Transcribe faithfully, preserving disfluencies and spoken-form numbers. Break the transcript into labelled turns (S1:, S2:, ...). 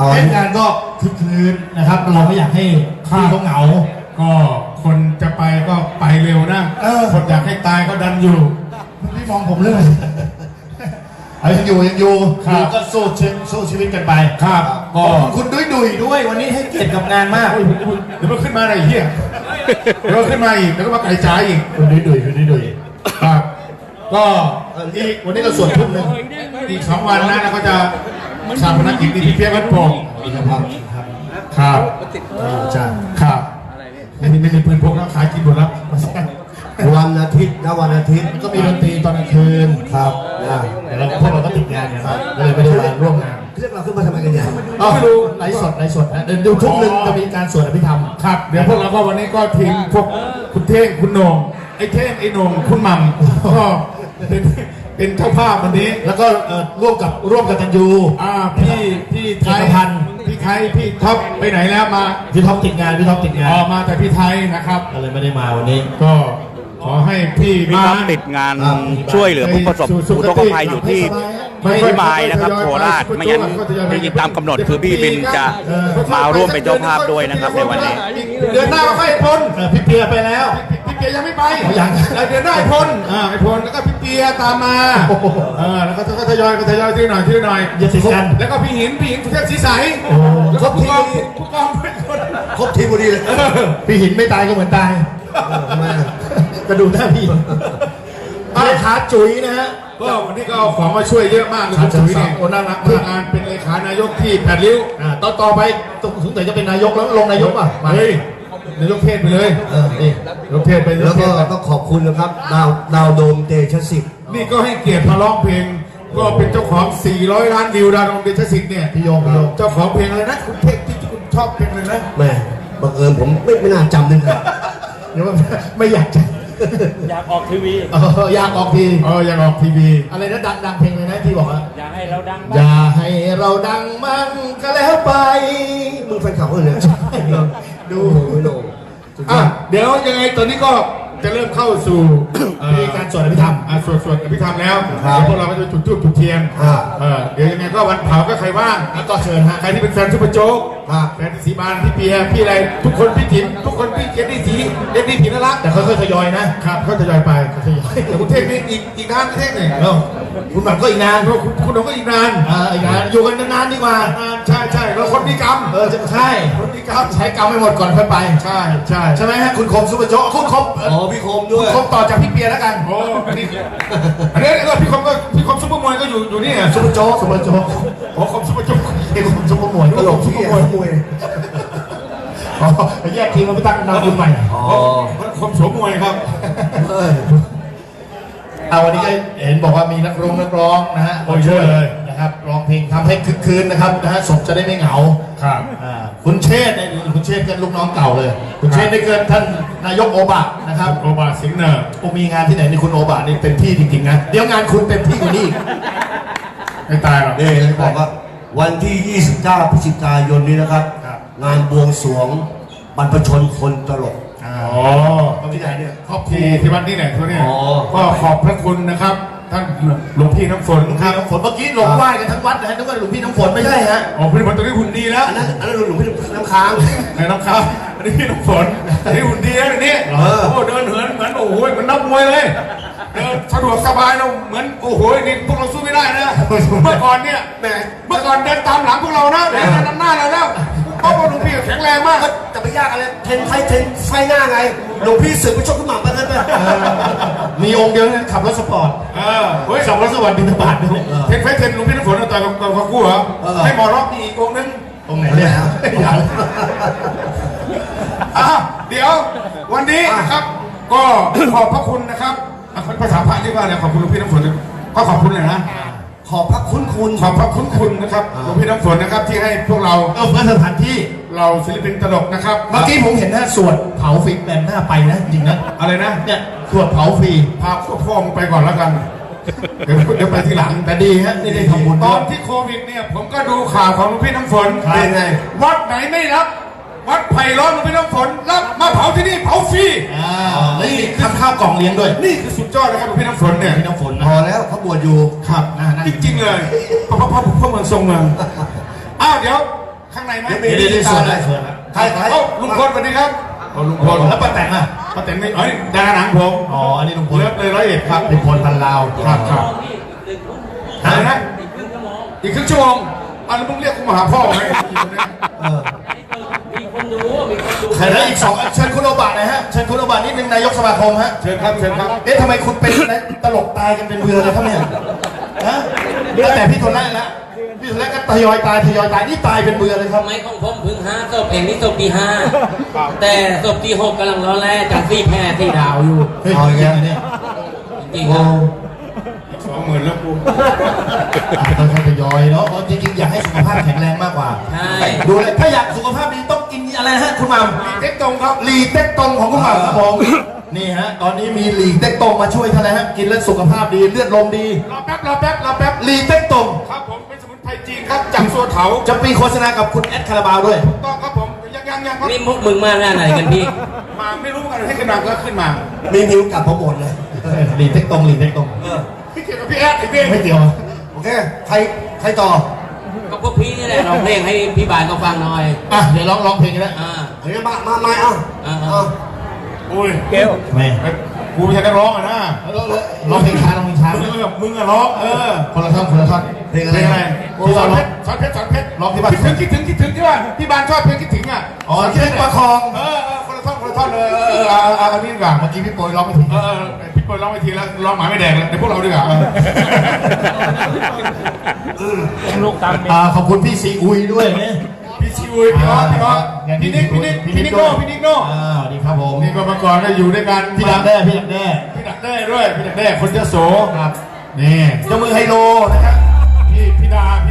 S1: เล่นงานก็คึกคืนนะครับเราไม่อยากให้พี่เขาเหงา
S2: ก็คนจะไปก็ไปเร็วนะคนอยากให้ตายก็ดันอยู่
S1: พี่มองผมเรื่องเอายังอยู่ยังอยู่คือก็สู้ชีวิตสู้ชีวิตกันไป
S2: ครับ
S1: ก็คุณดุยดุยด้วยวันนี้ให้เกียรติกับงานมาก
S2: เดี๋ยวมันขึ้นมาอะไรเหี้ยเดี๋ยวขึ้นมาอีกแล้วก็มาไก่จ่ายอีก
S1: คุณดุยดุยคุณดุยดุย
S2: ครับก็
S1: อีกวันนี้เราสวดทุ่มหนึ่ง
S2: อีกสองวันนะแล้วก็จะชาปนกิจที่เพียรวัดโป่ง
S1: ครับ
S2: ครับ
S1: ใช่
S2: ครับไม่มีไม่มีปืนพกแล้วขายกินหมดแล้ว
S1: วันอาทิตย์นะวันอาทิตย์ก็มีดนตรีตอนกลางคืนครับแต่เราพวกเราก็ติดงานเนี่ยครับก็เลยไม่ได้มาร่วมงาน
S3: เรียกเราขึ้นมาทำไมกันเนี่ย
S1: ไม่รู้ไลฟ์สดไลฟ์สดนะเดี๋ยวดูทุกหนึ่งจะมีการสวดอภิธรรม
S2: ครับเดี๋ยวพวกเราก็วันนี้ก็ทีมพวกคุณเท่งคุณโหน่งไอ้เท่งไอ้โหน่งคุณหม่ำก็เป็นเป็นเจ้าภาพวันนี้
S1: แล้วก็ร่วมกับร่วมกับตันยู
S2: อ่าพี่พี่ไทย
S1: พันธ์
S2: พี่ไทยพี่ท็อปไปไหนแล้วมา
S1: พี่ท็อปติดงานพี่ท็อปติดงาน
S2: อ๋อมาแต่พี่ไทยนะครับ
S1: ก็เลยไม่ได้มาวันนี้
S2: ก็ขอให้พี่
S4: มาติดงานช่วยเหลือผู้ประสบอุทกภัยอยู่ที่พิมายนะครับโคราชไม่งั้นจริงๆตามกำหนดคือพี่บินจะมาร่วมเป็นเจ้าภาพด้วยนะครับในวันนี้
S2: เดือนหน้าก็ไอ้พล
S1: พี่เปียไปแล้ว
S2: พี่เปียยังไม่ไป
S1: ยัง
S2: เดือนหน้าไอ้พลไอ้พลแล้วก็พี่เปียตามมาเออแล้วก็ทยอยก็ทยอยทีหน่อยทีหน่อย
S1: อย่าติดกัน
S2: แล้วก็พี่หินพี่หินสุเทพศรีใส
S1: ครบที
S2: ผู้กอง
S1: ครบทีพอดีเลยพี่หินไม่ตายก็เหมือนตายกระดูกหน้าพี่เลขาจุ๋ยนะฮะ
S2: ก็วันนี้ก็เอาของมาช่วยเยอะมากเลยคุณจุ๋ยเนี่ยโอ้น่ารักมากงานเป็นเลขานายกที่แปดริ้ว
S1: ต่อต่อไปสงสัยจะเป็นนายกแล้วลงนายกป่ะ
S2: เฮ้ยนายกเทศไปเลย
S1: เออนี่
S2: นายกเทศไป
S3: แล้วก็ต้องขอบคุณนะครับดาวดาวโดมเตชะสิทธิ์
S2: นี่ก็ให้เกียรติมาร้องเพลงก็เป็นเจ้าของสี่ร้อยล้านวิวดาวโดมเตชะสิทธิ์เนี่ย
S1: พี่โยงพี่โยง
S2: เจ้าของเพลงอะไรนะคุณเพลงที่คุณชอบเพลงเลยนะ
S3: แม่บังเอิญผมไม่ไม่น่าจำนึก
S1: เดี๋ยวไม่อยากจะ
S4: อยากออกทีวี
S1: เอออยากออกที
S2: เอออยากออกทีวี
S1: อะไรนะดังดังเพลงเลยนะที่บอกว่า
S4: อยากให้เราดัง
S1: อย่าให้เราดังมั่งก็แล้วไป
S3: มึงแฟนข่าวเนี่ย
S1: ดู
S3: โหน
S2: อ่ะเดี๋ยวยังไงตอนนี้ก็จะเริ่มเข้าสู่
S1: มีการสวดอภิธรรม
S2: สวดสวดอภิธรรมแล้วพวกเราก็จะจุดทูบจุดเทียนเดี๋ยวยังไงก็วันเผาก็ใครว่าง
S1: ก็เชิญฮะ
S2: ใครที่เป็นแฟนซุปเปอร์โจ๊กแฟนสีบานพี่เปียพี่อะไรทุกคนพี่ถิ่นทุกคนพี่เจนนี่สีเจนนี่ถิ่นน่ารัก
S1: แต่ค่อยๆทยอยนะครับ
S2: เขาทยอยไปทยอยแต่คุณเทพนี่อีกอีกนานเทพหนึ่ง
S1: คุณหม่ำก็อีกนาน
S2: คุณคุณน้องก็อีกนาน
S1: อีกนานอยู่กันนานๆดีกว่า
S2: ใช่ใช่เราคนมีกรรม
S1: เออใช่
S2: คนมีกรรม
S1: ใช้กรรมไม่หมดก่อนค่อยไป
S2: ใช่ใช่
S1: ใช่ไหมฮะคุณคมซุปเปอร์โจ๊กคุณคม
S3: อ๋อพี่คมด้วย
S1: คมต่อจากพี่เปียแล้วกัน
S2: โอ้อันนี้อันนี้ก็พี่คมก็พี่คมซุปเปอร์มวยก็อยู่อยู่นี่
S1: ซุปเปอร์โจ๊กซุปเปอร์โจ๊ก
S2: โอ้คมซุปเปอร์โจ๊ก
S1: ไอ้คมซุปเปอร์มวย
S3: ตลกซุปเปอร์มวยมวย
S1: อ๋อแยกทีมมาไปตั้งนามคุณใหม่
S2: อ๋อคมโฉมมวยครับ
S1: เอาวันนี้ก็เห็นบอกว่ามีนักร้องนักร้องนะฮะ
S2: ช่วยเลย
S1: นะครับร้องเพลงทำให้คึกคืนนะครับนะฮะศพจะได้ไม่เหงา
S2: ครับ
S1: คุณเชษฐ์เนี่ยคุณเชษฐ์กันลูกน้องเก่าเลยคุณเชษฐ์ได้เกินท่านนายกโอบะนะครับ
S2: โอบะสิงห์เนอร์
S1: โอมีงานที่ไหนนี่คุณโอบะนี่เต็มที่จริงๆนะเดี๋ยวงานคุณเต็มที่กว่านี้
S2: ไม่ตายหรอก
S3: นี่เลยบอกว่าวันที่ยี่สิบเก้าพฤศจิกายนนี้นะครับงานบวงสรวงบรรพชนคนตลก
S2: อ๋อ
S1: ที่ไหนเนี่ย
S2: ครอบครัวที่วัดนี่ไหนตัวเนี่ยก็ขอบพระคุณนะครับท่านหลวงพี่น้ำฝน
S1: ครับน้ำฝนเมื่อกี้หลงไหว้กันทั้งวัดนะฮะนึกว่าหลวงพี่น้ำฝนไม่ใช่ฮะ
S2: อ๋อพี่น้ำฝนตอนนี้หุ่นดีแล้ว
S3: อันนั้นอันนั้นหลวงพี่น้ำค้าง
S2: ในน้ำค้างอันนี้พี่น้ำฝนอันนี้หุ่นดีแล้วนี่โอ้เดินเหินเหมือนโอ้โหเหมือนนักมวยเลยเดินสะดวกสบายเราเหมือนโอ้โหนี่พวกเราสู้ไม่ได้นะเมื่อก่อนเนี่ยแหมเมื่อก่อนเดินตามหลังพวกเรานะเดินนำหน้าเราแล้วเพราะว่าหลวงพี่แข็งแรงมาก
S3: จะไปยากอะไรเทนไฟเทนไฟหน้าไงหลวงพี่สึกไปชกขึ้นมาไปนั่นไป
S1: มีองค์เดียวนั้นขับรถสปอร์ต
S2: เออเฮ้ย
S1: ขับรถสวัสดิ์บินบาตด้วย
S2: เทนไฟเทนหลวงพี่น้ำฝนต่อยกับกับกู้เหรอให้หมอร็อกอีกองนึง
S1: องไหนเนี่ย
S2: อ่ะเดี๋ยววันนี้นะครับก็ขอบพระคุณนะครับภาษาพระที่ว่าเนี่ยขอบคุณหลวงพี่น้ำฝนก็ขอบคุณเลยนะ
S3: ขอบพระคุณคุณ
S2: ขอบพระคุณคุณนะครับหลวงพี่น้ำฝนนะครับที่ให้พวกเรา
S1: เออเพื่อสถานที่
S2: เราศิลปินตลกนะครับ
S1: เมื่อกี้ผมเห็นนะสวดเผาฟรีแบบหน้าไปนะจริงนะ
S2: อะไรนะ
S1: เนี่ยสวดเผาฟรี
S2: พาพ่อมึงไปก่อนแล้วกันเดี๋ยวเดี๋ยวไปทีหลัง
S1: แต่ดีฮะนี่ได้ทำบุญ
S2: ตอนที่โควิดเนี่ยผมก็ดูข่าวของหลวงพี่น้ำฝน
S1: เป็นไง
S2: วัดไหนไม่รับวัดไผ่ล้อมหลวงพี่น้ำฝนรับมาเผาที่นี่เผาฟรี
S1: อ่านี่ทำข้าวกล่องเลี้ยงด้วย
S2: นี่คือสุดยอดนะครับหลวงพี่น้ำฝนเนี่ย
S1: พี่น้ำฝน
S3: พอแล้วเขาบวชอยู่
S2: ครับจริงๆเลยเพราะเพราะเพราะเมืองทรงเมืองอ้าวเดี๋ยวข้างในไหม
S3: เดี๋ยวเดี๋ยวเดี๋ยวสวดได้สวดนะใครใคร
S2: เอ้าลุงพลสวัสดีครับเอาลุงพล
S1: แล้วป้าแตนอ่ะ
S2: ป้าแตนไม่เอ้ยดาราหนังผม
S1: อ๋ออันนี้ลุงพล
S2: เลิฟเลยร้อยเอ็ดครับ
S1: ลุงพลพันลาว
S2: ครับครับอะไรนะอีกครึ่งชั่วโมงอันนั้นมึงเรียกกูมาหาพ่อไหม
S3: เออ
S1: ใครนะอีกสองเชิญคุณโอบะหน่อยฮะเชิญคุณโอบะนิดนึงนายกสมาคมฮะ
S2: เชิญครับเชิญครับ
S1: เอ๊ะทำไมคุณเป็นตลกตายกันเป็นเบื่อเลยครับเนี่ยฮะตั้งแต่พี่โทนแรกแล้วพี่โทนแรกก็ทยอยตายทยอยตายนี่ตายเป็นเบื่อเลยครับ
S5: ไม้ของผมเพึ่งห้าศพเองนี่ศพที่ห้าแต่ศพที่หกกำลังร้อนแรงจากซี่แพร่ที่ดาวอยู่
S1: เฮ้ยเอาอย่างเงี้ยเนี่ย
S5: จริงๆครับ
S2: สองหมื่นแล้วกู
S1: ต้องทยอยเนาะเพราะจริงๆอยากให้สุขภาพแข็งแรงมากกว่า
S5: ใช่
S1: ดูเลยถ้าอยากสุขภาพดีต้องกินอะไรนะฮะคุณหม่ำ
S2: เต็กตรงครับ
S1: ลีเต็กตงของคุณหม่ำครับผมนี่ฮะตอนนี้มีลีเต็กตงมาช่วยท่านนะฮะกินแล้วสุขภาพดีเลือดลมดี
S2: รอแป๊บรอแป๊บรอแป๊บ
S1: ลีเต็กตง
S2: ครับผมเป็นสมุนไพรจีนครับจากสัวเถา
S1: จะปีโฆษณากับคุณแอดคาราบาวด้วย
S2: ต้องครับผมยังยังยังครับ
S5: นี่มุกมึงมาหน้าไหนกันพี่
S2: มาไม่รู้กันให้ขึ้นมาก็ขึ้นมา
S3: มีนิ้วกลับผมหมดเลย
S1: ลีเต็กตงลีเต็กตง
S3: เออ
S2: พี่เกี่ยวกับพี่แอดไอ้เบ้
S1: ไม่เกี่ยว
S3: โอเคใครใครต่อ
S5: ก็พวกพี่นี่แหละร้องเพลงให้พี่บานเขาฟังหน่อย
S1: อ่ะเดี๋ยวร้องร้องเพลงกันแล้ว
S5: อ่า
S3: เฮ้ยมามามาเอา
S5: อ่า
S3: เอา
S2: โอ้ย
S4: เกล
S1: ไม่
S2: ไอ้กูไม่ใช่นักร้องอะนะ
S1: ร้องเพลงช้าร้องเพลงช้า
S2: มึงอะมึงอะร้องเออ
S1: คนละท่อนคนละท่อน
S3: เพลงอะไร
S2: เพลงอะไร
S1: ที่
S2: สอ
S1: เรา
S2: น
S1: ร้
S2: เพ
S1: อง
S2: ชรสอนเพชรสอนเพชร
S1: ร้องที่บ้าน
S2: คิดถึงคิดถึงคิดถึงที่ว่าที่บ้านชอบเพลงคิดถึงอ่ะ
S1: อ๋อเชือกประคอง
S2: เออเออคนละท่อนคนละท่อนเออเออเออเอาเอาเอานี่ดีกว่า
S1: เมื่อกี้พี่โปรยร้องไม่ถึง
S2: เออเออพี่เปิดร้องไปทีแล้วร้องหมาไม่แดงแล้วเดี๋ยวพวกเราดีกว่าเออ
S1: อ่าขอบคุณพี่ซีอุยด้วยเนี่ย
S2: พี่ชิวพี่ออสพี่ออสพี่นิกพี่นิกพี่นิกโน่พี่นิกโน่
S1: อ่าดีครับผม
S2: นี่ก็เมื่อก่อนก็อยู่ด้วยกัน
S1: พี่ดักแด้พี่ดักแด้
S2: พี่ดักแด้ด้วยพี่ดักแด้คนเจ้าโส
S1: ครับนี่เจ้ามือไฮโลนะครับ
S2: พี่พี่ดาพี่